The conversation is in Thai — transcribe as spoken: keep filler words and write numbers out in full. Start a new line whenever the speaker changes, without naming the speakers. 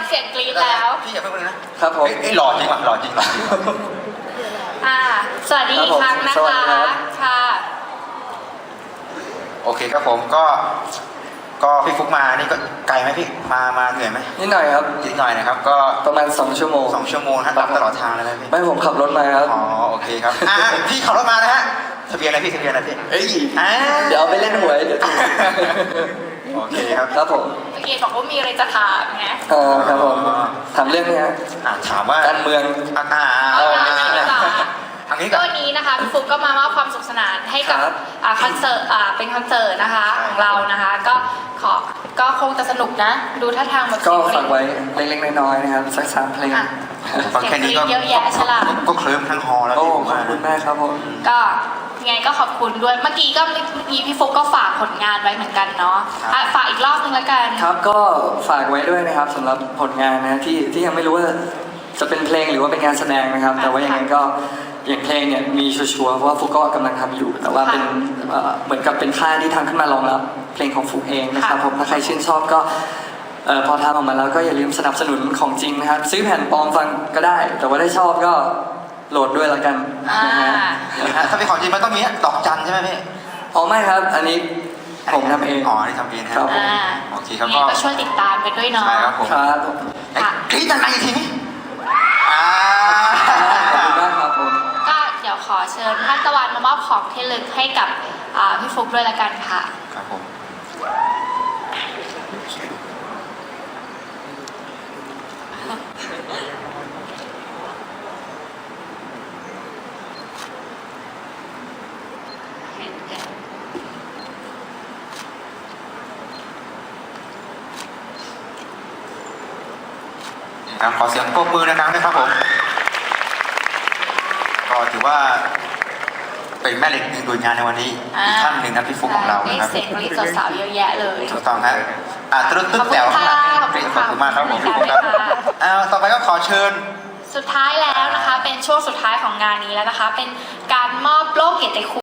เสียงกรี๊ดแล้ว
พี่อย่าเพิ่งเลยนะครับ
ผม
ไอ้หล่อจริงว่ะหล่อจริงหล่อจริง
อ่าสวัสดีอีกครั้งนะ
สวัส
คะ
ดีครับ
ค่ะ
โอเคครับผมก็ก็พี่ฟุกมานี่ก็ไกลไหมพี่มามาเหนื่อยไหม
นิดหน่อยครับ
นิดหน่อยนะครับก็
ประมาณสองชั่วโมง
สองชั่วโมงฮะตามตลอดทางเลยไหมพี่
ไม่ผมขับรถมาครับ
อ๋อโอเคครับอ่ะพี่ขับรถมานะฮะทะเบียนอะไรพี่ทะเบียนอะไรพี่
เอ้ย
อ่า
เดี๋ยวเอาไปเล่นหวยเดี๋ยวถูก
โอเคครับ
ครับผม
เมื่อกี้บอกว่ามีอะไรจะถามไง
เออครับผมถามเรื่องนี้ฮะ
อ่ะถามว่า
การเมือง
อ่าอ่า
เอา
เอา
อย่างนี้ดีกว่า
ทางนี้
ก็
ก่อน
วันนี้นะคะพี่ฟุกก็มามอบความสุขสนานให้กับ
ครับ
อ่าคอนเสิร์ตอ่าเป็นคอนเสิร์ตนะคะของเรานะคะ ก็ขอก็คงจะสนุกนะ ดูท่าทางแบบ
ก็
เสียง
ฝากไว้เล็กๆน้อยๆนะครับสักสามเพลง
อ่ะ
ฟังแค่นี้ก็
เสียงเยอะแยะใช่ล่ะ
ก็เคลิ้มทั้งฮอลแล้ว
โอ้
พี่ผม
ขอบ
ว่า
คุณมากครับผม
ก็ยังไงก็ขอบคุณด้วยเมื่อกี้ก็เมื่อกี้พี่ฟุกก็ฝากผลงานไว้เหมือนกันเนาะอ่ะฝากอีกรอบนึงแล้วกัน
ครับก็ฝากไว้ด้วยนะครับสำหรับผลงานนะที่ที่ยังไม่รู้ว่าจะเป็นเพลงหรือว่าเป็นงานแสดงนะครับ แต่ว่ายังไงก็อย่างเพลงเนี่ยมีชัวร์ๆเพราะว่าฟุกก็กำลังทำอยู่ แต่ว่าเป็นเอ่อเหมือนกับเป็นค่ายที่ทำขึ้นมารองรับเพลงของฟุกเองนะครับผมถ้าใครชื่นชอบก็เอ่อพอทำออกมาแล้วก็อย่าลืมสนับสนุนของจริงนะครับซื้อแผ่นปลอมฟังก็ได้ แต่ว่าถ้าชอบก็โหลดด้วยละกัน
อ่า
นะฮะ
นะฮะถ้าเป็นของจริงมันต้องมีดอกจันใช่ไหมพี่
อ๋อไม่ครับ อันนี้ผมทำเอง
อ๋อนี่ทำเองนะ
ครับ
อ่า
โอเคครับ
ยังไง
ก็
ก็ช่วยติดตามกันด้วยเนาะ
ใช่ครับผม
ครับ
ไอ้กรี๊ดดังๆอีกทีนี้อ่า
ขอบคุณมากครับผม
ก็เดี๋ยวขอเชิญท่านตะวันมามอบของที่ระลึกให้กับอ่าพี่ฟุกด้วยละกันค่ะ
ครับผมครับขอเสียงปรบมือดังๆด้วยครับผมก็ถือว่าเป็นแม่เหล็กหนึ่งดวงงานในวันนี้อีกท่านหนึ่งนะพี่ฟุกของเรา
ได้
นะครับ
เสียงกรี๊ดสาวๆเยอะแยะเลย
ถูกต้องฮะอ่ะตรึ๊ดตึ๊ดแต๋ว
ขอบคุณค่ะ
ขอบคุณมากครับผม
ขอบคุณ
ครับ
ค่ะ
อ้าวต่อไปก็ขอเชิญ
สุดท้ายแล้วนะคะ เป็นช่วงสุดท้ายของงานนี้แล้วนะคะ เป็นการมอบโล่เกียรติคุณ